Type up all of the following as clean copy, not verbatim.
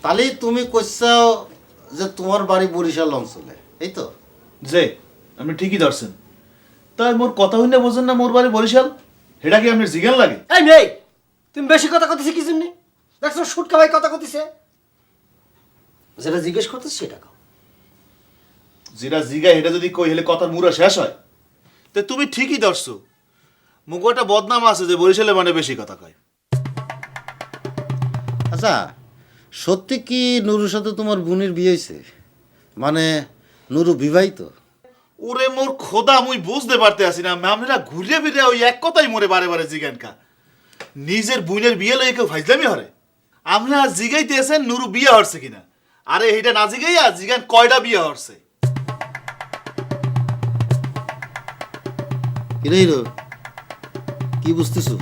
তাহলে তুমি কইছাও যে তোমার বাড়ি বরিশাল অঞ্চলে, এই তো? যে আপনি ঠিকই ধরছেন। তাই মোর কথা হইলে বোঝেন না মোর বাড়ি বরিশাল? এটা কি আপনার জিজ্ঞান লাগে? এই মেয়ে, তুমি বেশি কথা কইতেছি কি জন্য? দেখছো সুটকা ভাই কথা কইতেছে, যেটা জিজ্ঞেস করতেছে সেটা কও। যেটা জিগা এটা যদি কই হলে কথার মুরা শেষ হয়। তো তুমি ঠিকই ধরছো, মুখে একটা বদনাম আছে যে বরিশালে মানে বেশি কথা কয়। আচ্ছা, সত্যি কি নুরুর সাথে তোমার বোনের বিয়ে হয়েছে? মানে নুরু বিবাহিত? ওরে মোর খোদা, মুই বুঝতে পারতে আসি না, ম্যামরা ঘুরে ফিরে ওই এক কথাই মোরে বারে বারে জিজ্ঞান কা নিজের বোনের বিয়ে লইয়ে কেউ ফাইজলামি হরে? আমরা জিগাইতে আছেন নুরু বিয়ে হরছে কিনা, আরে এটা না জিগাইয়া জিগান কয়টা বিয়ে হরছে। কিরে হিরো, কি বুঝতেছো?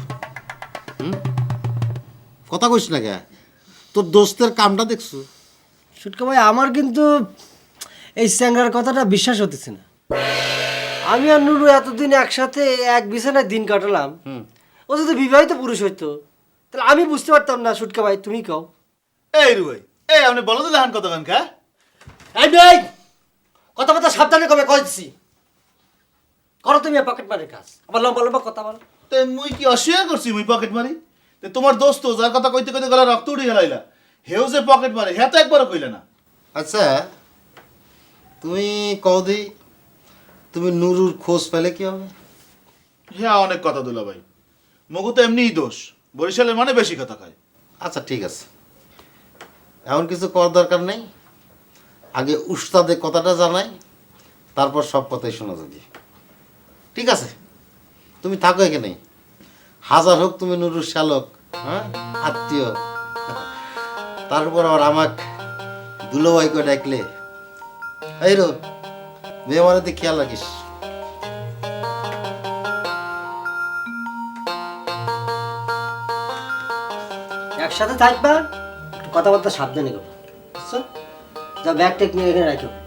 কথা কইস না কে? তোর দোস্তের কামটা দেখছো? সুটকা ভাই, আমার কিন্তু এই স্যাংরার কথাটা বিশ্বাস হতেছে না। আমি আর নুরু এতদিন একসাথে এক বিছানায় দিন কাটালাম, ও যদি বিবাহিত পুরুষ হইতো তাহলে আমি বুঝতে পারতাম না। সুটকা ভাই তুমি কও। এই রুই, এই আপনি বলো তো লেহান কথা কান কা? এই মেয়ে, কথাবার্তা সাবধানে কবে কইছি। করো তুমি পকেট মারের কাজ, আবার লম্বা লম্বা কথা বলো। তো মুই কি অস্বীকার করছি মুই পকেট মারি? তে তোমার দোস্ত যার কথা কইতে কইতে গলা রক্ত উঠে গেলাইলা, হেও যে পকেট মারে হ্যাঁ তো একবারও কইলে না। আচ্ছা, তুমি কদি তুমি নুরুর খোঁজ পেলে কি হবে? হ্যাঁ অনেক কথা দুলা ভাই, মগু তো এমনিই দোষ, বরিশালের মানে বেশি কথা কয়। আচ্ছা ঠিক আছে, এমন কিছু করার দরকার নেই। আগে উস্তাদের কথাটা জানাই, তারপর সব কথাই শোনা যাবে। ঠিক আছে, তুমি থাকো এখানেই। হাজার হোক তুমি নুরুর শ্যালক, হ্যাঁ, আত্মীয়, তারপর আবার আমাক দুলোভাই করে ডাকলে এই রো, মেয়ে মানে খেয়াল রাখিস। একসাথে থাকবা, একটু কথাবার্তা সাবধানে করো, বুঝছো? যা ব্যাগ টেক নিয়ে এখানে রাখো।